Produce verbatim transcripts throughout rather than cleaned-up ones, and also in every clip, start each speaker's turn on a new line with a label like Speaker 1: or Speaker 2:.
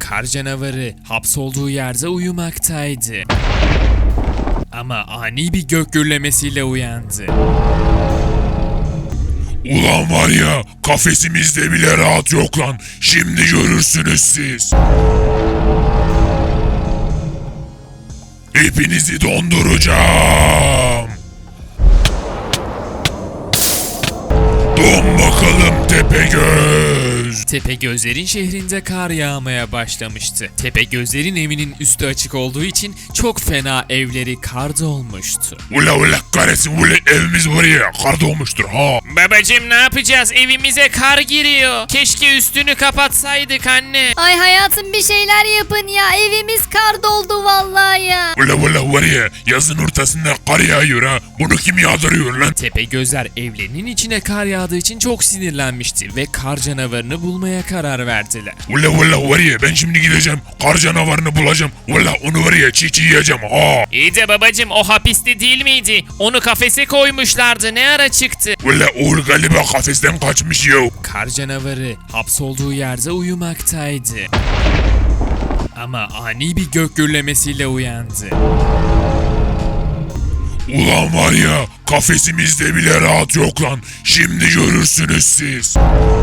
Speaker 1: kar canavarı hapsolduğu yerde uyumaktaydı. Ama ani bir gök gürlemesiyle uyandı.
Speaker 2: Ulan var ya, kafesimizde bile rahat yok lan. Şimdi görürsünüz siz. Hepinizi donduracağım. Don bakalım Tepegöz.
Speaker 1: Tepegözlerin şehrinde kar yağmaya başlamıştı. Tepegözlerin evinin üstü açık olduğu için çok fena evleri kar dolmuştu.
Speaker 2: Ula ula kahretsin, ula evimiz var ya kar dolmuştur ha.
Speaker 1: Babacım ne yapacağız? Evimize kar giriyor. Keşke üstünü kapatsaydık anne.
Speaker 3: Ay hayatım bir şeyler yapın ya. Evimiz kar doldu vallahi ya.
Speaker 2: Ula ula var ya, yazın ortasında kar yağıyor ha. Bunu kim yağdırıyor lan?
Speaker 1: Tepegözler evlerinin içine kar yağdığı için çok sinirlenmişti ve kar canavarını bulmaya karar verdiler.
Speaker 2: Ula ula var ya, ben şimdi gideceğim kar canavarını bulacağım. Ula onu var ya çiğ çiğ yiyeceğim ha.
Speaker 1: İyi de babacım o hapiste değil miydi? Onu kafese koymuşlardı. Ne ara çıktı?
Speaker 2: Ula oğul galiba kafesten kaçmış ya.
Speaker 1: Kar canavarı hapsolduğu yerde uyumaktaydı. Ama ani bir gök gürlemesiyle uyandı.
Speaker 2: Ulan var ya, kafesimizde bile rahat yok lan. Şimdi görürsünüz siz.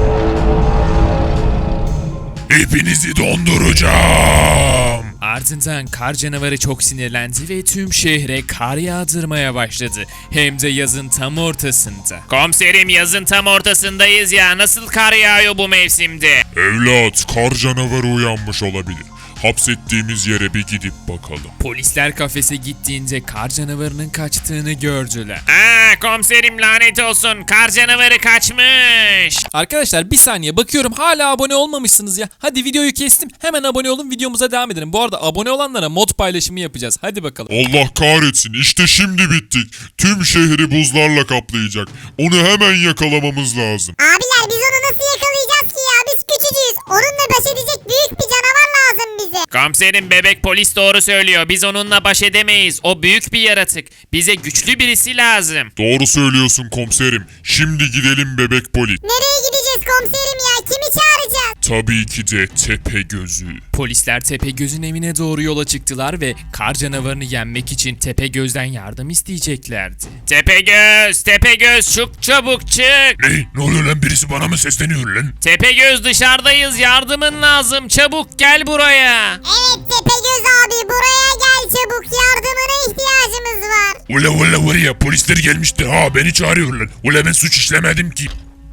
Speaker 2: Hepinizi donduracağım.
Speaker 1: Ardından kar canavarı çok sinirlendi ve tüm şehre kar yağdırmaya başladı. Hem de yazın tam ortasında. Komiserim yazın tam ortasındayız ya. Nasıl kar yağıyor bu mevsimde?
Speaker 2: Evlat, kar canavarı uyanmış olabilir. Hapsettiğimiz yere bir gidip bakalım.
Speaker 1: Polisler kafese gittiğinde kar canavarının kaçtığını gördüler.
Speaker 4: Aa komiserim lanet olsun. Kar canavarı kaçmış.
Speaker 5: Arkadaşlar bir saniye bakıyorum hala abone olmamışsınız ya. Hadi videoyu kestim. Hemen abone olun, videomuza devam edelim. Bu arada abone olanlara mod paylaşımı yapacağız. Hadi bakalım.
Speaker 2: Allah kahretsin, işte şimdi bittik. Tüm şehri buzlarla kaplayacak. Onu hemen yakalamamız lazım.
Speaker 6: Abiler biz onu nasıl yakalayacağız ki ya? Biz küçücüğüz. Onunla baş edecek büyük bir canavar lazım bize.
Speaker 4: Komiserim bebek polis doğru söylüyor. Biz onunla baş edemeyiz. O büyük bir yaratık. Bize güçlü birisi lazım.
Speaker 2: Doğru söylüyorsun komiserim. Şimdi gidelim bebek polis.
Speaker 6: Nereye gideceğiz komiserim ya? Kimi çağıracağız?
Speaker 2: Tabii ki de Tepegöz'ü.
Speaker 1: Polisler Tepegöz'ün evine doğru yola çıktılar ve kar canavarını yenmek için Tepegöz'den yardım isteyeceklerdi.
Speaker 4: Tepegöz, Tepegöz çık çabuk çık.
Speaker 2: Ne? Ne oluyor lan? Birisi bana mı sesleniyor lan?
Speaker 4: Tepegöz dışarıdayız. Yardımın lazım. Çabuk gel buraya.
Speaker 6: Evet Tepegöz abi buraya gel çabuk. Yardımına ihtiyacımız var.
Speaker 2: Ula ula var ya, polisler gelmiştir ha, beni çağırıyorlar. Ula ben suç işlemedim ki.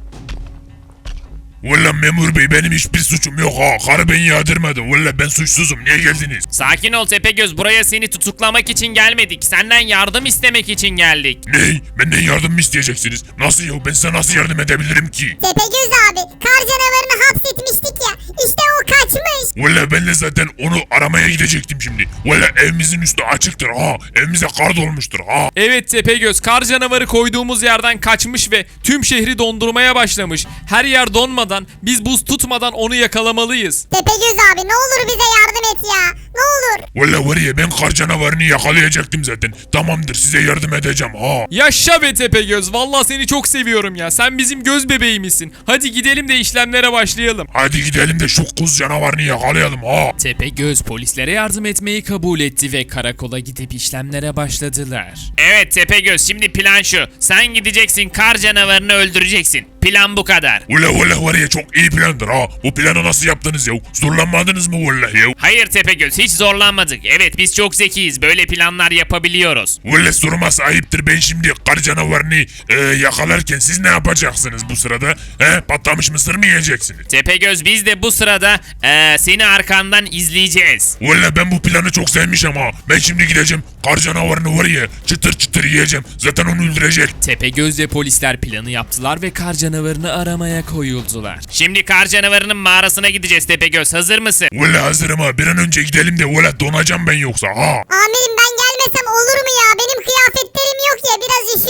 Speaker 2: Valla memur bey, benim hiçbir suçum yok ha. Karı beni yağdırmadı. Valla ben suçsuzum. Niye geldiniz?
Speaker 4: Sakin ol Tepegöz. Buraya seni tutuklamak için gelmedik. Senden yardım istemek için geldik.
Speaker 2: Ne? Benden yardım mı isteyeceksiniz? Nasıl ya? Ben size nasıl yardım edebilirim ki?
Speaker 6: Tepegöz abi kar canavarını hapsetmiştik ya. İşte o kaçmış.
Speaker 2: Valla ben de zaten onu aramaya gidecektim şimdi. Valla evimizin üstü açıktır ha. Evimize kar dolmuştur ha.
Speaker 5: Evet Tepegöz, kar canavarı koyduğumuz yerden kaçmış ve tüm şehri dondurmaya başlamış. Her yer donmadan, biz buz tutmadan onu yakalamalıyız.
Speaker 6: Tepegöz abi ne olur bize yardım et ya. Ne olur.
Speaker 2: Valla var ya, ben kar canavarını yakalayacaktım zaten. Tamamdır, size yardım edeceğim ha.
Speaker 5: Yaşa be Tepegöz, vallahi seni çok seviyorum ya. Sen bizim göz bebeğimizsin. Hadi gidelim de işlemlere başlayalım.
Speaker 2: Hadi gidelim de şu kuz canavarını yakalayalım ha.
Speaker 1: Tepegöz polislere yardım etmeyi kabul etti ve karakola gidip işlemlere başladılar.
Speaker 4: Evet Tepegöz, şimdi plan şu. Sen gideceksin, kar canavarını öldüreceksin. Plan bu kadar.
Speaker 2: Ula ula var ya, çok iyi plandır ha. Bu planı nasıl yaptınız ya? Zorlanmadınız mı vallahi ya?
Speaker 4: Hayır Tepegöz, hiç zorlanmadık. Evet biz çok zekiyiz. Böyle planlar yapabiliyoruz.
Speaker 2: Valla sorması ayıptır, ben şimdi kar canavarını e, yakalarken siz ne yapacaksınız bu sırada? He, patlamış mısır mı yiyeceksiniz?
Speaker 4: Tepegöz, biz de bu sırada eee, seni arkandan izleyeceğiz.
Speaker 2: Valla ben bu planı çok sevmişim ha. Ben şimdi gideceğim, kar canavarını var ya çıtır çıtır yiyeceğim. Zaten onu öldürecek.
Speaker 1: Tepegöz ve polisler planı yaptılar ve kar canavarını aramaya koyuldular.
Speaker 4: Şimdi kar canavarının mağarasına gideceğiz Tepegöz. Hazır mısın?
Speaker 2: Valla hazırım ha, bir an önce gidelim de valla donacağım ben yoksa ha.
Speaker 6: Amirim ben gelmesem olur mu ya? Benim kıyafetlerim yok ya biraz üşüdüm de.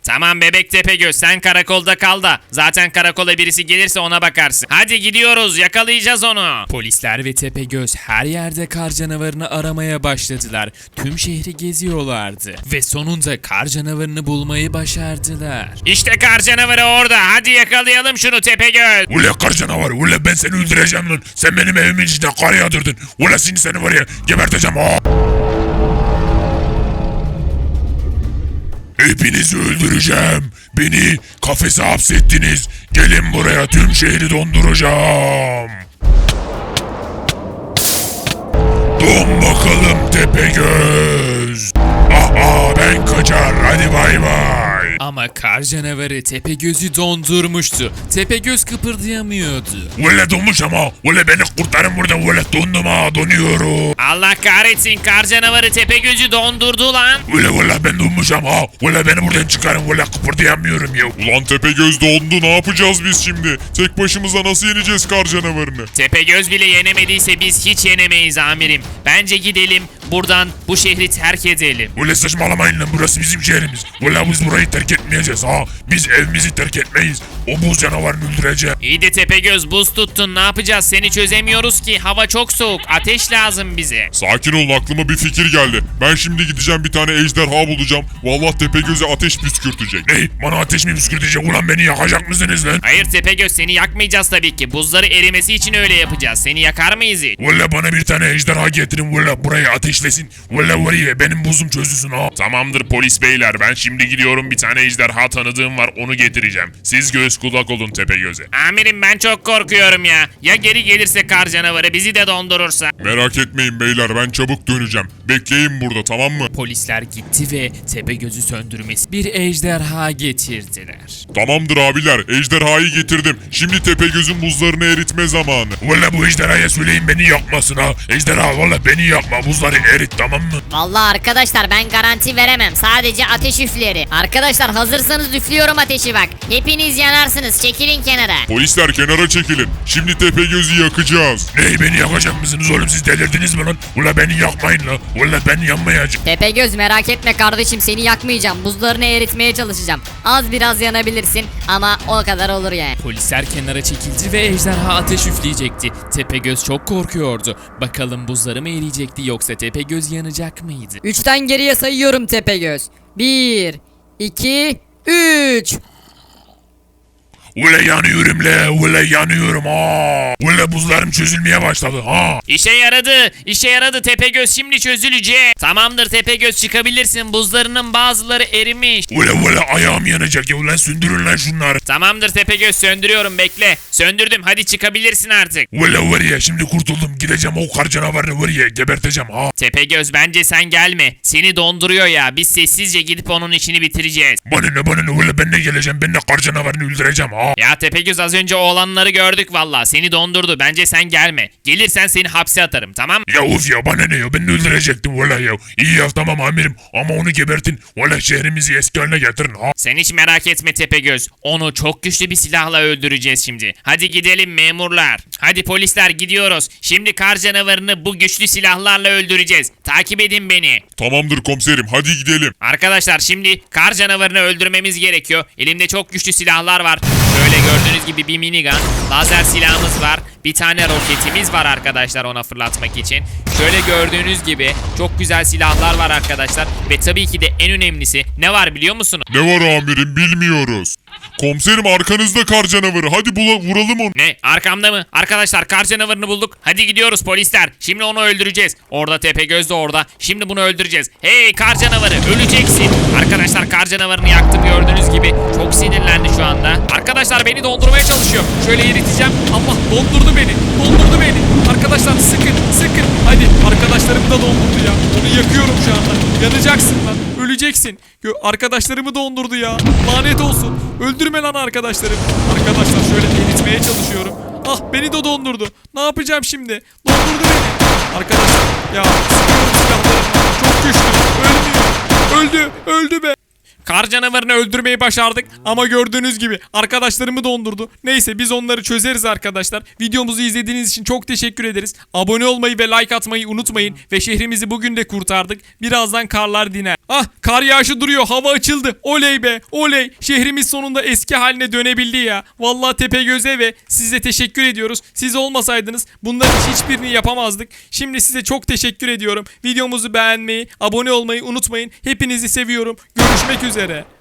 Speaker 4: Tamam bebek Tepegöz sen karakolda kal da. Zaten karakola birisi gelirse ona bakarsın. Hadi gidiyoruz yakalayacağız onu.
Speaker 1: Polisler ve Tepegöz her yerde kar canavarını aramaya başladılar. Tüm şehri geziyorlardı. Ve sonunda kar canavarını bulmayı başardılar.
Speaker 4: İşte kar canavarı orada. Hadi yakalayalım şunu Tepegöz.
Speaker 2: Ula kar canavarı ula ben seni öldüreceğim lan. Sen benim evimin içinde kar yağdırdın. Ula seni seni var ya geberteceğim ha. Hepinizi öldüreceğim. Beni kafese hapsettiniz. Gelin buraya tüm şehri donduracağım. Don bakalım Tepegöz. Aha ben kaçar hadi bay bay.
Speaker 1: Ama kar canavarı Tepegöz'ü dondurmuştu. Tepegöz kıpırdayamıyordu.
Speaker 2: Ula donmuş ama. Ula beni kurtarın burada. Ula dondum ha donuyorum.
Speaker 4: Allah kahretsin kar canavarı Tepegöz'ü dondurdu lan.
Speaker 2: Ula ula ben donmuşum ha. Ula beni buradan çıkarın. Ula kıpırdayamıyorum ya. Ulan Tepegöz dondu. Ne yapacağız biz şimdi? Tek başımıza nasıl yeneceğiz kar canavarını?
Speaker 4: Tepegöz bile yenemediyse biz hiç yenemeyiz amirim. Bence gidelim buradan bu şehri terk edelim.
Speaker 2: Ula saçmalamayın lan burası bizim şehrimiz. Ula biz burayı terk etmeyeceğiz ha. Biz evimizi terk etmeyiz. O buz canavarını öldüreceğim.
Speaker 4: İyi de Tepegöz buz tuttun ne yapacağız seni çözemiyoruz ki hava çok soğuk ateş lazım bize.
Speaker 2: Sakin olun aklıma bir fikir geldi. Ben şimdi gideceğim bir tane ejderha bulacağım. Vallahi Tepegöz'e ateş püskürtecek. Ne? Bana ateş mi püskürtecek? Ulan beni yakacak mısınız lan?
Speaker 4: Hayır Tepegöz seni yakmayacağız tabii ki buzları erimesi için öyle yapacağız seni yakar mıyız hiç?
Speaker 2: Valla bana bir tane ejderha getirin. Valla burayı ateşlesin. Valla var ya benim buzum çözülsün ha. Tamamdır polis beyler. Ben şimdi gidiyorum bir tane ejderha tanıdığım var. Onu getireceğim. Siz göz kulak olun Tepegöz'e.
Speaker 4: Amirim ben çok korkuyorum ya. Ya geri gelirse kar canavarı bizi de dondurursa?
Speaker 2: Merak etmeyin beyler ben çabuk döneceğim. Bekleyin burada tamam mı?
Speaker 1: Polisler gitti ve Tepegöz'ü söndürmesi bir ejderha getirdiler.
Speaker 2: Tamamdır abiler. Ejderhayı getirdim. Şimdi Tepegöz'ün buzlarını eritme zamanı. Valla bu ejderhaya söyleyin beni yakmasın ha. Ejderha valla beni yakma. Buzları erit tamam mı?
Speaker 3: Vallahi arkadaşlar ben garanti veremem. Sadece ateş üfleri. Arkadaşlar hazırsanız üflüyorum ateşi bak. Hepiniz yanarsınız. Çekilin kenara.
Speaker 2: Polisler kenara çekilin. Şimdi Tepegöz'ü yakacağız. Ney beni yakacak mısınız oğlum siz delirdiniz mi lan? Ula beni yakmayın la. Ula ben yanmayacağım.
Speaker 3: Tepegöz merak etme kardeşim seni yakmayacağım. Buzlarını eritmeye çalışacağım. Az biraz yanabilirsin ama o kadar olur yani.
Speaker 1: Polisler kenara çekildi ve ejderha ateş üfleyecekti. Tepegöz çok korkuyordu. Bakalım buzları mı eriyecekti yoksa Tepegöz yanacak mıydı?
Speaker 7: Üçten geriye sayıyorum Tepegöz. Bir, iki, üç.
Speaker 2: Ula yanıyorum le. Ula yanıyorum ha. Ula buzlarım çözülmeye başladı ha.
Speaker 4: İşe yaradı. İşe yaradı Tepegöz şimdi çözülecek. Tamamdır Tepegöz çıkabilirsin. Buzlarının bazıları erimiş.
Speaker 2: Ula ula ayağım yanacak ya. Ulan söndürün lan şunları.
Speaker 4: Tamamdır Tepegöz söndürüyorum bekle. Söndürdüm hadi çıkabilirsin artık.
Speaker 2: Ula var ya şimdi kurtuldum. Gideceğim o kar canavarını var ya geberteceğim ha.
Speaker 4: Tepegöz bence sen gelme. Seni donduruyor ya. Biz sessizce gidip onun işini bitireceğiz.
Speaker 2: Bana ne bana ne ula ben de geleceğim. Ben de kar canavarını öldüreceğim ha.
Speaker 4: Ya Tepegöz az önce o olanları gördük valla. Seni dondurdu. Bence sen gelme. Gelirsen seni hapse atarım tamam mı?
Speaker 2: Ya of ya bana ne ya ben de öldürecektim valla ya. İyi ya tamam amirim ama onu gebertin. Valla şehrimizi eski haline getirin ha.
Speaker 4: Sen hiç merak etme Tepegöz. Onu çok güçlü bir silahla öldüreceğiz şimdi. Hadi gidelim memurlar. Hadi polisler gidiyoruz. Şimdi kar canavarını bu güçlü silahlarla öldüreceğiz. Takip edin beni.
Speaker 2: Tamamdır komiserim hadi gidelim.
Speaker 4: Arkadaşlar şimdi kar canavarını öldürmemiz gerekiyor. Elimde çok güçlü silahlar var. Böyle gördüğünüz gibi bir minigun, lazer silahımız var. Bir tane roketimiz var arkadaşlar ona fırlatmak için. Şöyle gördüğünüz gibi çok güzel silahlar var arkadaşlar. Ve tabii ki de en önemlisi ne var biliyor musunuz?
Speaker 2: Ne var amirim bilmiyoruz. Komiserim arkanızda kar canavarı hadi bula, vuralım onu.
Speaker 4: Ne? Arkamda mı? Arkadaşlar kar canavarını bulduk. Hadi gidiyoruz polisler. Şimdi onu öldüreceğiz. Orada Tepegöz de orada. Şimdi bunu öldüreceğiz. Hey kar canavarı öleceksin. Arkadaşlar kar canavarını yaktım gördüğünüz gibi. Çok sinirlendi şu anda. Arkadaşlar beni dondurmaya çalışıyor. Şöyle eriteceğim. Allah dondurdu beni. Dondurdu beni. Arkadaşlar sıkın sıkın. Hadi arkadaşlarım da dondurdu ya. Onu yakıyorum şu anda. Yanacaksın lan. Öleceksin. Gö- Arkadaşlarımı dondurdu ya. Lanet olsun. Öldürme lan arkadaşlarım. Arkadaşlar şöyle eritmeye çalışıyorum. Ah beni de dondurdu. Ne yapacağım şimdi? Dondurdu beni. Arkadaşlar ya sıkıyorum silahlarımı. Çok güçlü. Ölmüyor. Öldü. Öldü be.
Speaker 5: Kar canavarını öldürmeyi başardık ama gördüğünüz gibi arkadaşlarımı dondurdu. Neyse biz onları çözeriz arkadaşlar. Videomuzu izlediğiniz için çok teşekkür ederiz. Abone olmayı ve like atmayı unutmayın. Ve şehrimizi bugün de kurtardık. Birazdan karlar diner. Ah, kar yağışı duruyor. Hava açıldı. Oley be. Oley. Şehrimiz sonunda eski haline dönebildi ya. Vallahi Tepegöz'e ve size teşekkür ediyoruz. Siz olmasaydınız bunların hiçbirini yapamazdık. Şimdi size çok teşekkür ediyorum. Videomuzu beğenmeyi, abone olmayı unutmayın. Hepinizi seviyorum. Görüşmek üzere.